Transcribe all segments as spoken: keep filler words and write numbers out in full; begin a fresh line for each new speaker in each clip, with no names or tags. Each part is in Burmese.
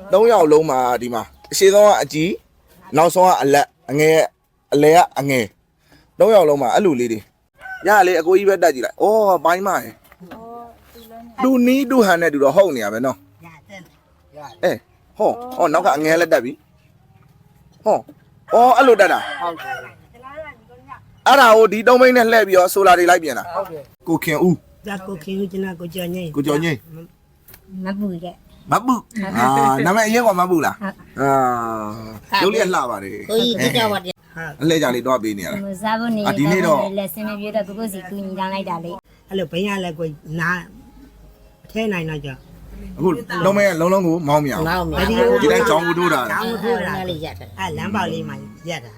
သုံးယောက်လုံးမှာဒီမှာအရှိဆုံးကအကြီးနောက်ဆုံးကအလက်အငယ်အလဲကအငယ်သုံးယောက်လုံးမှာအဲ့လိုလေးတွေရလေအကိုကြီးပဲတက်ကြည့်လိုက်ဩဘိုင်းမရယ်တူနီးတူဟန်နဲ့တူတော့ဟုတ်နေရပဲနော်အေးဟောဟောနောက်ကအငယ်လက်တက်ပြီဟောဩအဲ့လိုတက်တာဟုတ်တယ်အဲ့ဒါကိုဒီသုံးမိန်းနဲ့လှည့်ပြီးတော့ဆိုလာတွေလိုက်ပြန်တာဟုတ်တယ်ကိုခင်ဦး
ဒါကိုခင်ဦးကျွန်တော်ကိုကျော်ငိမ့်
ကိုကျော်ငိမ့်
မပူတဲ့
မပူအာနာမည်အရင်ကမပူလားအာရုပ်လေးလှပါတယ်
ကိုကြီးကြောက်ပါတယ်
အလှည့်ကြလေးတော့ပေးနေရတာ
စားဖို့နေ
ဒီနေ့တော့
လက်စင်းမပြေတော့ကိုကိုစီကူညီတောင်းလိုက်တာလေ
အဲ့လိုဘင်းရလဲကိုနားထဲနိုင်တော့ကြော
အခုလုံးမဲလုံးလုံးကိုမောင်းမြောင်ဒီတိုင်းကြောင်းကိုထိုးတာ
ကြောင်းကိုထိုးတာလေးရက်တယ်အဲ့လမ်းပေါက်လေးမှာရက်တာ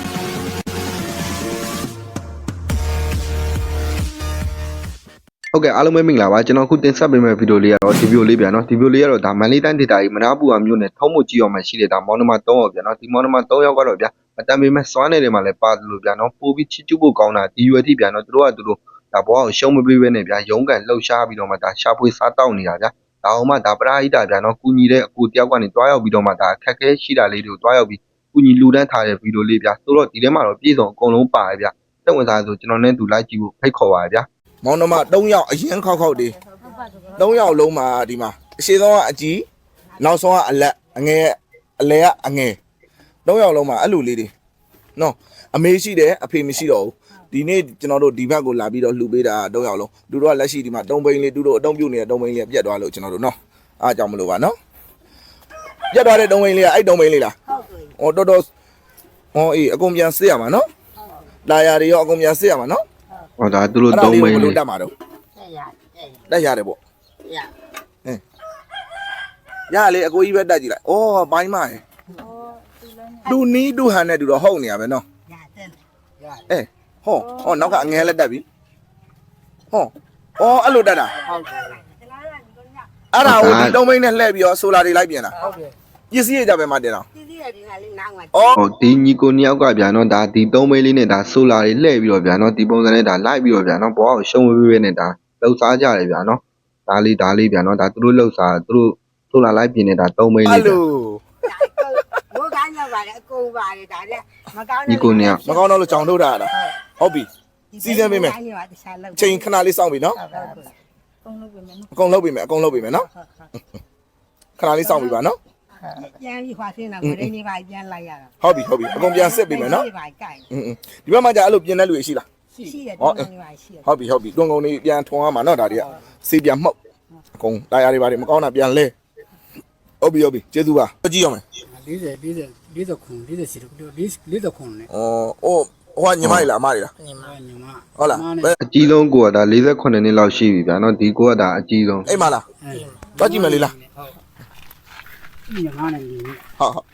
ဟုတ်ကဲ့အားလုံးပဲမင်္ဂလာပါကျွန်တော်ခုတင်ဆက်ပေးမယ့်ဗီဒီယိုလေးကတော့ဒီဗီဒီယိုလေးပြန်နော်ဒီဗီဒီယိုလေးကတော့ဒါမန်လေးတိုင်းဒေတာကြီးမနာပူအောင်မြို့နယ်ထုံးမကြီးအောင်မှာရှိတဲ့ဒါမောင်နှမသုံးယောက်ပြန်နော်ဒီမောင်နှမသုံးယောက်ကတော့ဗျာအတန်ပေးမဲ့စွမ်းနယ်တွေမှာလည်းပါတယ်လို့ဗျာနော်ပို့ပြီးချစ်ကျူးဖို့ကောင်းတာဒီရွယ်ထိပြန်နော်သူတို့ကသူတို့ဒါဘောအောင်ရှုံးမပေးဘဲနဲ့ဗျာရုံးကန်လှုပ်ရှားပြီးတော့မှဒါရှာဖွေစားတောက်နေတာဗျာဒါအောင်မှဒါပရာဟိတာဗျာနော်ကူညီတဲ့အကူတယောက်ကနေတွားရောက်ပြီးတော့မှဒါအခက်အခဲရှိတာလေးတွေကိုတွားရောက်ပြီးကူညီလူတန်းထားတဲ့ဗီဒီယိုလေးဗျာဆိုတော့ဒီထဲမှာတော့ပြည်စုံအကုန်လုံးပါတယ်ဗျာစိတ်ဝင်စားဆိုကျွန်တော်နဲ့သူလိုက်ကြည့်ဖို့ဖိတ်ခေါ်ပါဗျာ
မောင်နှမသုံးယောက်အရင်ခောက်ခောက်တွေသုံးယောက်လုံးမှာဒီမှာအရှိဆုံးကအကြီးနောက်ဆုံးကအလက်အငယ်အလဲကအငယ်သုံးယောက်လုံးမှာအဲ့လိုလေးတွေနော်အမေရှိတယ်အဖေမရှိတော့ဘူးဒီနေ့ကျွန်တော်တို့ဒီဘက်ကိုလာပြီးတော့လှူပေးတာသုံးယောက်လုံးသူတို့ကလက်ရှိဒီမှာတုံးပိန်းလေးသူတို့အတုံးပြုတ်နေတဲ့တုံးပိန်းလေးပြတ်သွားလို့ကျွန်တော်တို့နော်အားကြောင့်မလို့ပါနော်ပြတ်သွားတဲ့တုံးပိန်းလေးကအဲ့တုံးပိန်းလေးလားဟုတ်ကဲ့ဟောတော်တော်ဟောအေးအကုန်ပြန်စစ်ရမှာနော်လာရာတွေရောအကုန်ပြန်စစ်ရမှာနော်
ဟောဒါသူတို့သုံးမိန်းလေး
တက်မှာတော့တက်ရတယ်ပေါ့ရအင်းရလေအကိုကြီးပဲတက်ကြည့်လိုက်ဩဘိုင်းမရယ်တူနီးတူဟန်နဲ့တူတော့ဟုတ်နေရပဲနော်အေးဟောဟောနောက်ကအငယ်လက်တက်ပြီဟောဩအဲ့လိုတက်တာဟုတ်တယ်အဲ့ဒါကိုဒီသုံးမိန်းနဲ့လှည့်ပြီးတော့ဆိုလာတွေလိုက်ပြန်တာဟုတ်တယ်ပစ္စည်းရကြပဲမှတင်တော့ပစ္စည်းရဒီကလေးနားမှာ
ဩဟောဒီညီကိုနှစ်ယောက်ကဗျာနော်ဒါဒီသုံးမိန်းလေးနဲ့ဒါဆိုလာတွေလှည့်ပြီးတော့ဗျာနော်ဒီပုံစံနဲ့ဒါလိုက်ပြီးတော့ဗျာနော်ဘောအောင်ရှုံးဝေးဝေးနဲ့ဒါလှုပ်စားကြတယ်ဗျာနော်ဒါလေးဒါလေးဗျာနော်ဒါသူတို့လှုပ်စားသူတို့ဆိုလာလိုက်ပြင်နေတာသုံးမိန်းလေး
အဲ့လို
ဘိုးကိုင်းရောက်ပါလေအကုန်ပါလေဒါလည်းမကောင်း
ညီကိုနှစ်ယောက်
မကောင်းတော့လို့ကြောင်ထုတ်တာလားဟုတ်ပြီစီစဉ်ပေးမယ်ချိန်ခဏလေးစောင့်ပြီနော်အကုန်လုပ်ပေးမယ်အကုန်လုပ်ပေးမယ်နော်ခဏလေးစောင့်ပြီပါနော်
ပြန်ပြီးခွာဆင်းတာကိုရင်းနေပါပြန်လိုက်ရတာ
ဟုတ်ပြီဟုတ်ပြီအကုန်ပြန်စစ်ပေးမယ်နော်อืมဒီဘက်မှာじゃအဲ့လိုပြင်တဲ့လူရှိလား
ရှိတယ်တွန်းကုန်တွေရှိတယ်
ဟုတ်ပြီဟုတ်ပြီတွန်းကုန်တွေပြန်ထွန်ရမှာနော်ဒါတွေကစေးပြန်မှုတ်အကုန်တာယာတွေပါတယ်မကောင်းတာပြန်လဲဟုတ်ပြီဟုတ်ပြီကျေးဇူးပါကြည့်ရမယ်
40 40 40ခွန်40စီ40ခွန်နဲ့
ဩအိုးဟိုကညီမလေးလားအမလေးလား
ညီမညီမ
ဟုတ်လား
အကြီးဆုံးကိုကဒါ၄၈နှစ်လောက်ရှိပြီဗျာနော်ဒီကိုကဒါအကြီးဆုံး
အိမ်မလားတော့ကြည့်မယ်လေးလား
ညီမနဲ့ညီ
ဟုတ်ဟုတ်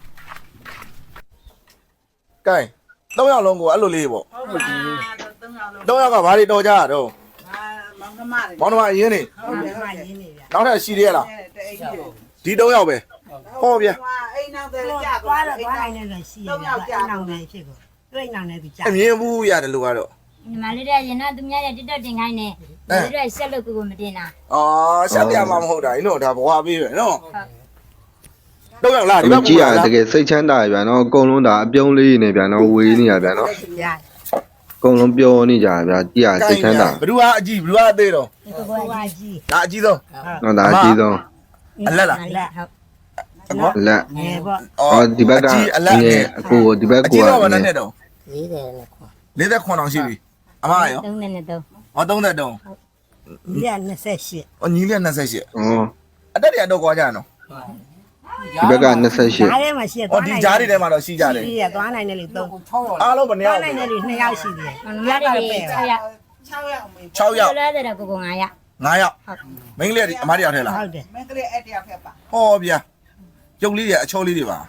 ကဲသုံးယောက်လုံးကိုအဲ့လိုလေးပေါ့ဟုတ်ပြီသုံးယောက်ကဘာတွေတော်ကြရတော့
မောင်နှမတွေ
မောင်နှမအရင်နေ
ဟုတ်တယ်မှရင်းနေဗျာ
နောက်ထပ်ရှိသေးရလားဒီသုံးယောက်ပဲဟောဗျာ
အိမ်နောက်တယ်ကြာသွားတော့သွားနိုင်တယ်ရှိရဗျာအိမ်နောက်တယ်ဖြစ်ကိုသူ့အိမ်နောက်တယ်သူကြာ
အမြင်ဘူးရတယ်လို့ကတော့
ညီမလေးတွေကရင်တော့သူများရဲ့တက်တက်တင်ခိုင်းနေသူတို့ဆက်လို့ကိုကိုမတင်တာ
အော်ဆက်ပြမှာမဟုတ်တာနော်ဒါဘွားပေးပဲနော်တော့ရောက်လာဒီဘက်
ကြည့်ရတကယ်စိတ်ချမ်းသာရဗျာနော်အကုန်လုံးဒါအပြုံးလေးနေဗျာနော်ဝေးနေရဗျာနော်အကုန်လုံးပျော်နေကြဗျာကြည့်ရစိတ်ချမ်းသာ
ဘ누구ကအကြီးဘ누구ကအသေးတော့
ဒီကောကအကြီး
ဒါအကြီးဆုံး
နော်ဒါအကြီးဆုံး
အလက်လား
အလက်
ဟုတ်အလက်
ငယ်ပေါ့
အော်ဒီဘက်ကငယ်အကိုဒီဘက်က
အကြီးတော့ဗနဲ့နဲ့တော့
40နဲ့ခွာ
40ခွန်အောင်ရှိပြီအမရော
33နဲ့3
ဟော33
ညီက28
ဟောညီလေး28
ဩ
အတက်တွေတော့ကွာကြရနော်
ဒီဘက်က28
ဒါထဲမှာရှိရ
သွားနိုင်ဒီကြားတွေထဲမှာတော့ရှိကြတယ်
ရှိရသွားနိုင်တယ်လေ3
အားလုံးဘယ်နှစ်ယောက်
သွားနိုင်တယ်လေ2ယောက်ရှိတယ်
ညီမလေး6ယောက်
6ယောက်
6ယောက်လဲတဲ့ကိုကို9ယောက်
9ယောက်မိန်းကလေးအမတယောက်ထဲလား
ဟုတ်တယ်
မင်းကလေးအဲ့တယောက်ဖက်ပါ
ဟောဗျာရုပ်လေးတွေအချောလေးတွေပါဟမ်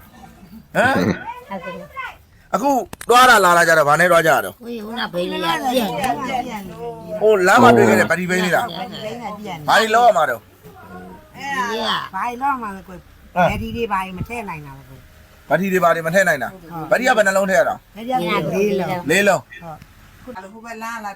အခုတွားလာလာလာကြတော့ဗာနဲ့တွားကြရတော့
ဟိုဟိုနာဘေးလေးကပြည့်နေ
ဟိုလမ်းမှာတွေ့ခဲ့တဲ့ဗတိဘိန်းလေးလားဘာတွေလောက်ရမှာတော့
အဲ့ဒါဘာလို့မှမကိုဗတိတွေဘာမထည့်နိုင်တာဘူး
ဗတိတွေဘာတွေမထည့်နိုင်တာဗတိကဘယ်နှလုံးထည့်ရတာ
ဗတိကလေးလုံး
လေးလုံး
ဟုတ်ဟိုဘက်လမ်းလာဒီဘက်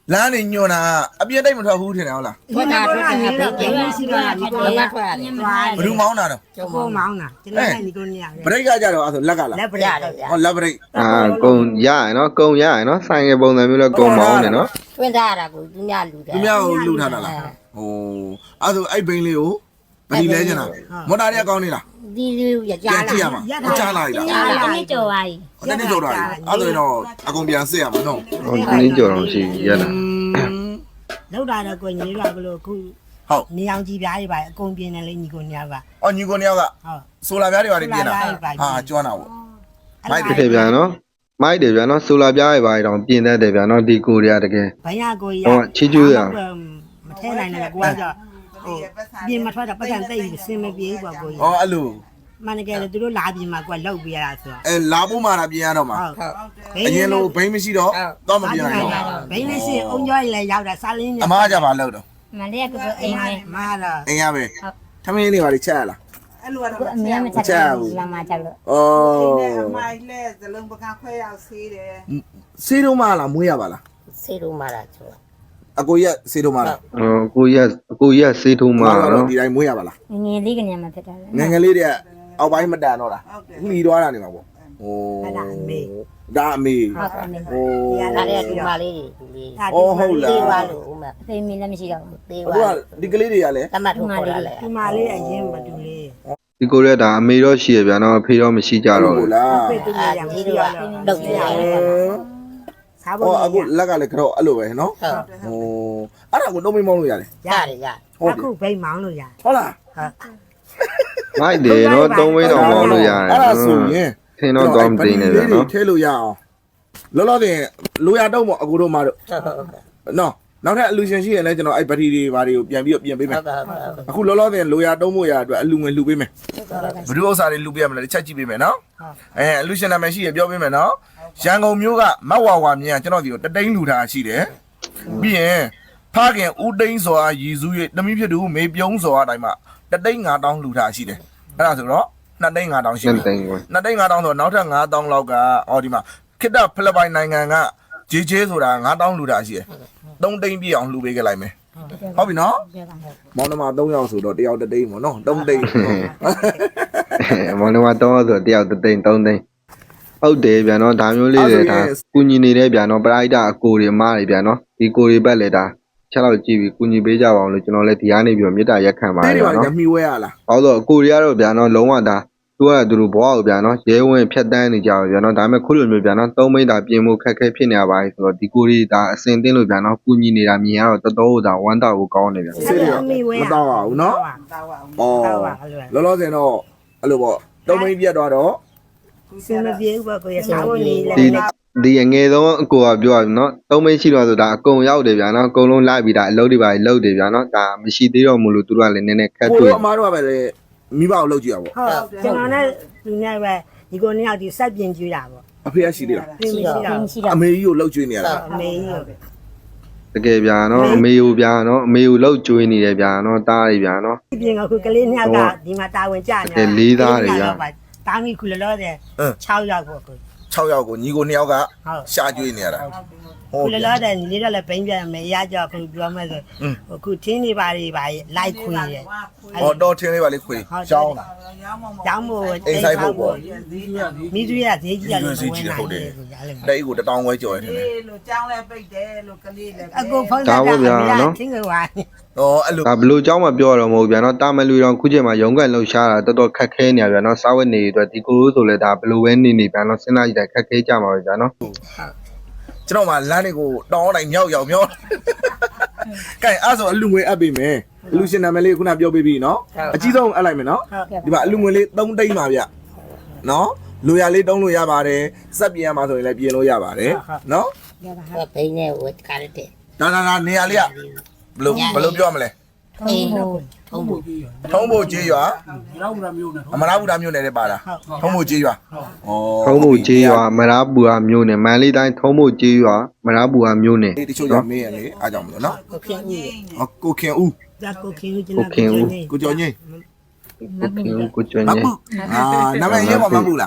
လမ်းနေညွန်တာအပြည့်တိတ်မထွက်ဘူးထင်တယ်ဟုတ်လား
ထွက်တာထွက်တာပဲဘယ်ရှိပါလဲကိုရထွက်ရတယ်
ဘယ်သူမောင်းတာတော့
ကိုမောင်းတာကျွန်တော်ကညီကိုနေရ
ဘရိတ်ကကြတော့အဲ့ဆိုလက်ကလား
လက်ပရတော့ဗျာ
ဟောလက်ဘရိတ်
အာကုံရရနော်ကုံရရနော်ဆိုင်ငယ်ပုံစံမျိုးလဲကုံမောင်းနေနော်
တွင်းထားတာကိုသူများလူတယ်
သူများကိုလှူထားတာလားဟိုအဲ့ဆိုအဲ့ဘိန်းလေးကိုဗတိလဲကျင်တာမော်တာတွေကကောင်းနေလား
ဒီလူရကြ
ပြန်
လာ
ကြည့်ရမှာကြားလာပြီလား
အားလုံးနှစ်ကြော်ပါပြီ
ဟိုတနေ့ကြော်တာအဲ့ဆိုရင်တော့အကုန်ပြန်စစ်ရမှာနော်
ဟိုဒီနေ့ကြော်တော့ရှိရလား
လောက်တာတော့ကိုညီကဘလို့ခု
ဟုတ်
နေအောင်ကြည့်ပြားတွေပါအကုန်ပြင်းတယ်လေညီကိုနေက
အော်ညီကိုနှစ်ယောက်က
ဟုတ်
ဆိုလာပြားတွေပါနေပြင်တာဟာကျွမ်းတာပေါ့
မိုက်တယ်ဗျာနော်မိုက်တယ်ဗျာနော်ဆိုလာပြားရပါတော့ပြင်တတ်တယ်ဗျာနော်ဒီကိုရီးယားတကယ်
ဘိုင်းရကိုရမထဲနိုင်တယ်ကိုကကြောဟိုပြင်မထွက်တော့ပတ်စံတိတ်စင်မပြေဘူးပေါ့ကိုရ
ဟောအဲ့လို
မနက်ကလေသူတို့လာပြင်မှာကိုကလောက်ပြရတာဆိုတော့
အဲလာဖို့မှတာပြင်ရတော့မှာ
ဟုတ်
အရင်လိုဘိန်းမရှိတော့တော့မပြင်နိုင်တော့
ဘိန်းလေးစင်အုံကျော်လည်းရောက်တာစားလင်း
အမားကြပါလို့တော့
မလေးကကိုအိမ်နဲ့
မာတော့
အင်းရပဲထမင်းလေးပါလေချက်ရလား
အဲ့လို
ကို
တော့
အမေမချက်ဘူးလာမချက်လို့
ဩ
အမိုင်လဲဇလုံးပကခွဲရောက်ဆေးတယ်
စေးတော့မလားမွေးရပါလား
စေလို့မလာချိုး
အကိုရက်စေးတော့မလား
ဟိုကိုရီးယားကိုရီးယားစေးထုံးမှာနော်
ဒီတိုင်းမွေးရပါလား
ငယ်လေးကနေမှဖြစ်တာလေ
ငငယ်လေးတွေကအောက်ပိုင်းမတန်တော့တာလှီသွားတာနေမှာပေါ့ဟိုဒါအမေ
ဟုတ်တယ်
ဟို
ဒါလည်းဒီမလေးဒီလေးသေးပါလို့ဦးမ
အဖေမင်းလည်းမရှိတော့ဘူး
သေး
အခု
ပါ
ကဒီကလေးတွေကလည်း
တမတ်ထုတ်ခေါ်ရလဲ
ဒီမာလေးအရင်မတူလေး
ဒီကိုရီးယားဒါအမေတော့ရှိရဗျာနော်အဖေတော့မရှိကြတော့
ဟုတ်
ဘူး
လား
ဖေတူလေးရမရှိတော့
လုတ်ကြရတယ်
စား
ဟော
ဖို့
အခုလက်ကလည်းကတော့အဲ့လိုပဲနော်
ဟုတ်
ဟိုအဲ့ဒါကိုတော့မေးမောင်းလို့ရတယ်
ရတယ်ရ
ဟုတ်
အခုဘိန်းမောင်းလို့ရ
ဟုတ်လား
မိုက်တယ်နော်သုံးဝင်းတော့မောင်းလို့ရတယ်
အဲ့ဒါဆိုရင်
ထင်းတော့တော့မသိနေဗျာနော်
ထဲလို့ရအောင်လောလောဆယ်လိုရတော့မအခုတို့မတို့နော်နောက်ထပ်အလူရှင်ရှိရင်လည်းကျွန်တော်အဲ့ဘက်ထရီတွေဘာတွေကိုပြန်ပြီးတော့ပြင်ပေးမယ်
ဟုတ်ကဲ့ဟုတ်ကဲ့
အခုလောလောဆယ်လိုရတုံးဖို့ရအတွက်အလူငွေလှူပေးမယ်ဘယ်လိုဥစ္စာတွေလှူပေးရမလဲတစ်ချက်ကြည့်ပေးမယ်နော်အဲအလူရှင်နာမည်ရှိရပြောပေးမယ်နော်ရန်ကုန်မြို့ကမတ်ဝါဝါမြင်ကျွန်တော်ဒီကိုတတိန်းလှူထားရှိတယ်ပြီးရင်ဖခင်ဦးတိန်းစောအားရည်စူး၍တမိဖြစ်သူမေပြုံးစောအားတိုင်းမှာတတိန်းငါးတောင်းလှူထားရှိတယ်အဲ့ဒါဆိုတော့နှစ်တိန်းငါးတောင်းရှိ
နှစ်
ပြီ
သိန်းကို
နှစ်တိန်းငါးတောင်းဆိုနောက်ထပ်ငါးတောင်းလောက်ကအော်ဒီမှာခိတ္တဖိလစ်ပိုင်နိုင်ငံကဂျေဂျေဆိုတာငါးတောင်းလှူထားရှိတယ်သုံးတိန်းပြည့်အောင်လှူပေးခဲ့လိုက်မယ်ဟုတ်ပြီနော်မောင်နှမသုံးယောက်ဆိုတော့တယောက်တတိန်းပေါ့နော်သုံးတိန်း
မောင်နှမတော့ဆိုတယောက်တစ်သိန်းသုံးသိန်းဟုတ်တယ်ဗျာနော်ဒါမျိုးလေးတွေဒါကုညီနေတဲ့ဗျာနော်ပရိုက်တာအကိုတွေအမတွေဗျာနော်ဒီကိုတွေဘက်လေဒါချက်တော့ကြည့်ပြီးကုညီပေးကြပါအောင်လို့ကျွန်တော်လည်းဒီကနေပြီးတော့မေတ္တာရက်ခံပါ
အဲ့
ရ
ဒီ
ပါ
မှာ
နော်
ညှိဝဲရလား
ဟောတော့အကိုတွေကတော့ဗျာနော်လုံးဝဒါသူကသူတို့ဘွားကိုဗျာနော်ရဲဝင်ဖြတ်တန်းနေကြပါဗျာနော်ဒါပေမဲ့ခုလိုမျိုးဗျာနော်သုံးမိတာပြင်မှုခက်ခဲဖြစ်နေရပါပြီဆိုတော့ဒီကိုတွေဒါအစင်တင်းလို့ဗျာနော်ကုညီနေတာမြင်ရတော့တော်တော်ဒါဝမ်းတာကိုကောင်းနေဗျာ
ဆေးတွေမတော့ပါဘူးနော်
တောက်အောင်
ဩလောလောဆယ်တော့အဲ့လိုပေါ့တုံးမင်းပြတ်သွားတော့
စင်မပြေဘူးပေါ့ကိုရစားဖို့နေလဲ
ဒီဒီအငယ်ဆုံးအကိုကပြောရနော်သုံးမိရှိတော့ဆိုတာအကုန်ရောက်တယ်ဗျာနော်အကုန်လုံးလိုက်ပြီးဒါအလုပ်တွေပါလုပ်တယ်ဗျာနော်ဒါမရှိသေးတော့မလို့သူတို့ကလည်းနည်းနည်းခက်
ကို
တွေ့
တို့အမားတို့ကပဲလေမိဘကိုလောက်ကြည့်ရပါ
ဟုတ်ကျွန်တော်နဲ့သူနဲ့ပဲဒီကိုနှစ်ယောက်ဒီစက်ပြင်ကျွေးတာပေါ့
အဖေကရှိသေးလား
ပြင်မရှိတော့
မရှိတော့
အမေကြီးကိုလောက်ကျွေးနေရတာ
အမေကြီးကို
တကယ်ဗျာနော်အမေကိုဗျာနော်အမေကိုလောက်ကျွေးနေတယ်ဗျာနော်တားရဗျာနော်
ပြင်ကခုကလေးနှစ်ယောက်ကဒီမှာတာဝန်ကြနေတာတာမီခုလောလောတဲ့6ယောက်ပေါ့ကို
၆ယောက်ကိုညီကို၂ယောက်က
ဟုတ်
ရှာကျွေးနေရတာ
ခုလောလောတဲ့ညီလေးတော့လည်းဘိန်းပြန်မယ်ရကြခုပြောမယ်ဆိုခုထင်းနေပါတွေပါလိုက်ခွေးတယ်
ဟောတော့ထင်းလေးပါလေခွေရှောင်းတာ
ကျောင်းမို့
အိမ်ဆိုင်ဖို့ပေါ့
မိသူရဈေးကြီးရတယ်
တိတ်ကိုတတောင်းဝဲကြော်ရတယ်
လေလို့ကြောင်းလဲပိတ်တယ်လို့ကလေးလည်း
အကိုဖုန်းထားတာထင်းကွာ
ဟောအဲ့လို
ဒါဘလို့เจ้าမပြောတော့မဟုတ်ဗျာနော်တာမလူတော်ခုချိန်မှာရုံးကန်လှုပ်ရှားတာတော်တော်ခက်ခဲနေရဗျာနော်စားဝတ်နေအတွက်ဒီကိုလိုဆိုလဲဒါဘလို့ပဲနေနေဗျာနော်စဉ်းစားကြည့်တာခက်ခဲကြမှာပဲဗျာနော်
ကျွန်တော်မှလမ်းတွေကိုတောင်းတိုင်းမြောက်ရောက်မြောက်ကဲအဲ့ဆိုအလူငွေအပ်ပေးမယ်အလူရှင်နာမည်လေးခုနပြောပေးပြီနော်အကြီးဆုံးအပ်လိုက်မယ်နော်ဒီမှာအလူငွေလေး၃တိန်းပါဗျနော်လိုရလေးတုံးလို့ရပါတယ်စက်ပြင်ရမှာဆိုရင်လည်းပြင်လို့ရပါတယ်နော်
ဘိန်းနဲ့ဝတ်ကားတဲ့
ဒါဒါဒါနေရာလေးကဘယ်လိုဘယ်လိုပြောမလဲ
အေးထုံးဖို့
ထုံးဖို့ကြေးရွာ
ရောက်လာမျိုးနဲ့
အမရဘူးတာမျိုးနဲ့လည်းပါတာထုံးဖို့ကြေးရွာဩ
ထုံးမှုကြီးရွာမရာပူဟာမျိုးနဲ့မန်လေးတိုင်းထုံးမှုကြီးရွာမရာပူဟာမျိုးနဲ့
ဒီတချို့ရမေးရလေအားကြောင့်မလို့နော်
ကိုခင်ဦး
ဟောကိုခင်ဦး
ဒါကိုခင်ဦးကျွန်
ကို
တော်
ခင်ဦး
ကိုကျော်ငိမ့်
ကိုခင်ဦးကိုကျွန်း
မ
ကြီး
ပူအာနာမည်ရေးပါမပူလား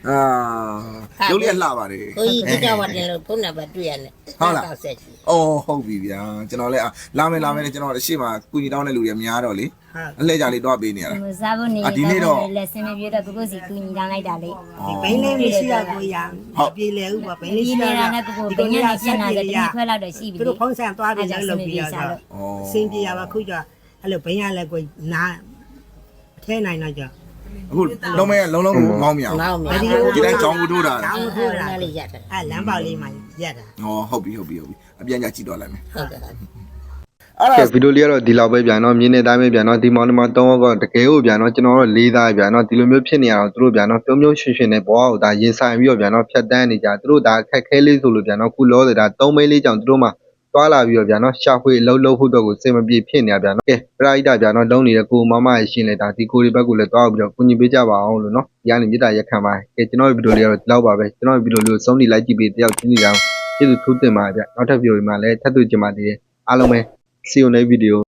အာရုပ်လေးလှပါတယ်
ကိုကြီးဒီတော့တင်လို့ဖုန်းနံပါတ်တွေ့ရတယ်
ဟုတ်လား
ကောက်ဆက်ရှိ
အော်ဟုတ်ပြီဗျာကျွန်တော်လည်းလာမယ်လာမယ်ကျွန်တော်အရှိမကုညီတောင်းတဲ့လူတွေများတော့လေအလှည့်ကြလေးတော့ပေးနေရတာ
ဟိုစားဖို့နေလက်စင်းမပြေတော့ကိုကိုစီကူညီတောင်းလိုက်တာလေ
ဒီဘိန်းလေးမရှိရကိုရပြေလေဥပါဘိန်းလေး
ဒီ
ရှိရ
နေတာနဲ့ကိုကိုဘိညာနဲ့ပြန်လာတယ်ဒီခွဲလောက်တော့ရှိပြီ
သူတို့ဖုန်းဆန်သွားပြီးလည်းလုပ်ပြီးရတော့စင်ပြေရပါခုကျအဲ့လိုဘိန်းရလည်းကိုနာထဲနိုင်တော့ကြ
အခုလုံးမဲလုံးလုံးကိုမောင်းမြောင်
နောက်မြ
ဒီတိုင်းကြောင်းကိုတိုးတာ
ကျောင်းထိုးတာ
လေးရက်တယ်
အဲ့လမ်းပေါက်လေးမှာရက်တာ
ဟောဟုတ်ပြီဟုတ်ပြီဟုတ်ပြီအပြန်ကြကြည့်တော့လိုက်မယ်
ဟုတ်ကဲ့
အဲ့
ကဲ
ဒါ
ဗီဒီယိုလေးကတော့ဒီလောက်ပဲဗျာနော်မြင်းနေတိုင်းပဲဗျာနော်ဒီမောင်နှမသုံးယောက်ကတကယ်ကိုဗျာနော်ကျွန်တော်တို့လေးသားဗျာနော်ဒီလိုမျိုးဖြစ်နေရအောင်သူတို့ဗျာနော်ပြုံးပြုံးရွှင်ရွှင်နဲ့ဘွားကိုဒါရင်ဆိုင်ပြီးတော့ဗျာနော်ဖြတ်တန်းနေကြသူတို့ဒါခက်ခဲလေးဆိုလို့ဗျာနော်ခုလောတယ်ဒါသုံးမိန်းလေးကြောင့်သူတို့မှတွာလာပြီးတော့ဗျာနော်ရှာဖွေအလုံးလုံးဖို့တော့ကိုစင်မပြေဖြစ်နေရဗျာနော်ကဲပရိဒဗျာနော်လုံးနေတဲ့ကိုမမရရှင်းလဲဒါဒီကိုဒီဘက်ကိုလည်းတွားပြီးတော့ကုညီပေးကြပါအောင်လို့နော်ဒီကနေမြေတားရက်ခံပါကဲကျွန်တော်ဗီဒီယိုလေးကတော့ဒီလောက်ပါပဲကျွန်တော်ဗီဒီယိုလေးကိုစုံနေလိုက်ကြည့်ပြီးတယောက်ချင်းစီတောင်ကျေးဇူးထူးတင်ပါဗျာနောက်ထပ်ဗီဒီယိုမှာလည်းထပ်တွေ့ကြပါသေးတယ်အားလုံးပဲ see you next video